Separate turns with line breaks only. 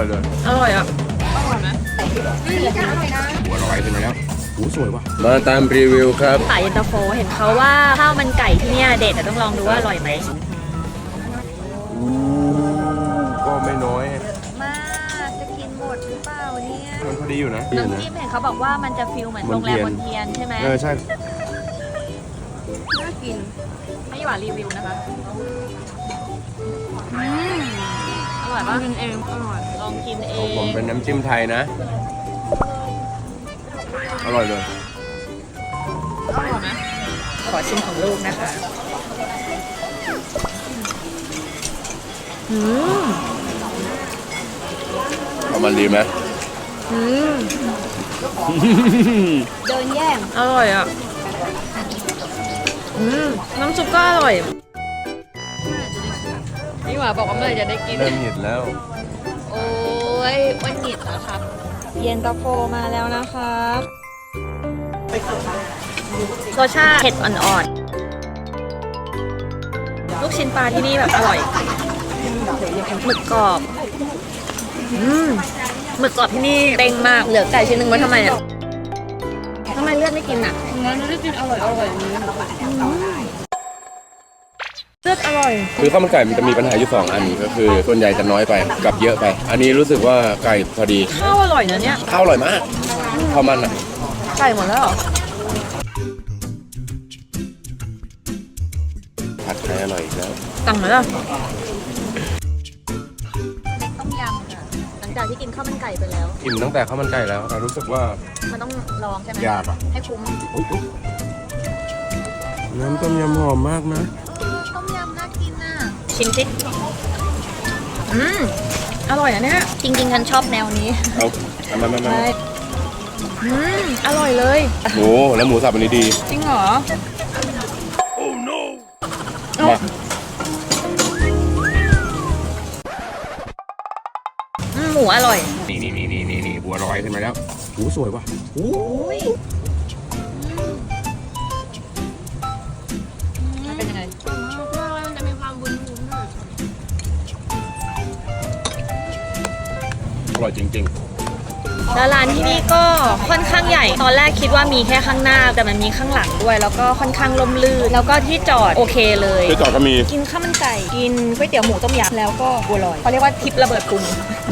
อยเลย
อร่อยอ่ะ
อร่อยไหมอร่อยนะ
หัวลอยขึ้นมาแล้วโอ้สวยว่ะมาตามรีวิวครับ
สายเย็นตาโฟเห็นเขาว่าข้าวมันไก่ที่เนี่ยเด็ดแต่ต้องลองดูว่าอร่อยไหม
ก็ไม่น้อย
มากจะกินหมดหรือเปล่าเนี่ย
มันพอดีอยู่นะ
น้ำจิ้มเห็นเขาบอกว่ามันจะฟิลเหมือนโรงแรมบนเทียนใช่ไหม
ใช่
น่ากิน
ให้หวานรีวิวนะคะอร่อยปะ
กินเองอร่อย
ลองกินเอ
ของผม
ง
เป็นน้ำจิ้มไทยนะ อร่อยเลย
อร่อยไหม
ขอชิมของลูกนะคะอืม
เอามันดีไหม
อืม
เดินแย่ง
อร่อยอ่ะน้ำซุปก็อร่อยนี่หว่าบอกว่าเมื่อไหร่จะได้กิน
เริ่มหยิดแล้ว
โอ้ยวันหยิดเหรอครับ เย็นตาโฟมาแล้วนะครับรสชาติเผ็ดอ่อนๆลูกชิ้นปลาที่นี่แบบอร่อยหมึกกรอบหมึกกรอบที่นี่เต็งมากเหลือไก่ชิ้นหนึ่งไว้ทำไมอ่ะทำไมเลือดไม่กินอ่ะ
งั้นไม่ได้กินอร่อยอย่างนี้
เลือดอร่อย
คือข้าวมันไก่มันจะมีปัญหาอยู่2อันก็คือส่วนใหญ่จะน้อยไปกับเยอะไป อันนี้รู้สึกว่าไก่พอดี
ข้าวอร่อยนะเนี่ย
ข้าวอร่อยมากข้าวมันอ่ะ
ไก่หมดแล้วเหรอ
ผัดไทยอร่อยอีกแล้ว
สั่งไหมล่ะต้มยำค่ะหลังจากที่กินข้าวมันไก่ไปแล้ว
อิ่มตั้งแต่ข้าวมันไก่แล้วแต่รู้สึกว่า
มันต้องลองใช่ไหม
ยากอ่ะ
ให้คุ้ม
น้ำต้มยำหอมมากนะ
ต้มยำน่ากินน่ะชิมสิอร่อยนะเนี่ยจริงๆฉันชอบแนวนี้
เอามา
ใช่อร่อยเลย
หมูแล้วหมูสับอันนี้ดี
จริงเหรอ
มา
หมูอร่อย
นี่บัวลอยขึ้นมาแล้วโอ้สวยว่ะโอ้
มันเป็นยังไง
มันจะมีความวุ้นๆหน่อย
อร่อยจริง
แล้วร้านที่นี่ก็ค่อนข้างใหญ่ ตอนแรกคิดว่ามีแค่ข้างหน้า แต่มันมีข้างหลังด้วย แล้วก็ค่อนข้างร่มรื่น แล้วก็ที่จอดโอเคเลย
ๆที่จอดก็มี
กินข้าวมันไก่ กินก๋วยเตี๋ยวหมูต้มยำแล้วก็บัวลอยเขาเรียกว่าทิประเบิดปรุง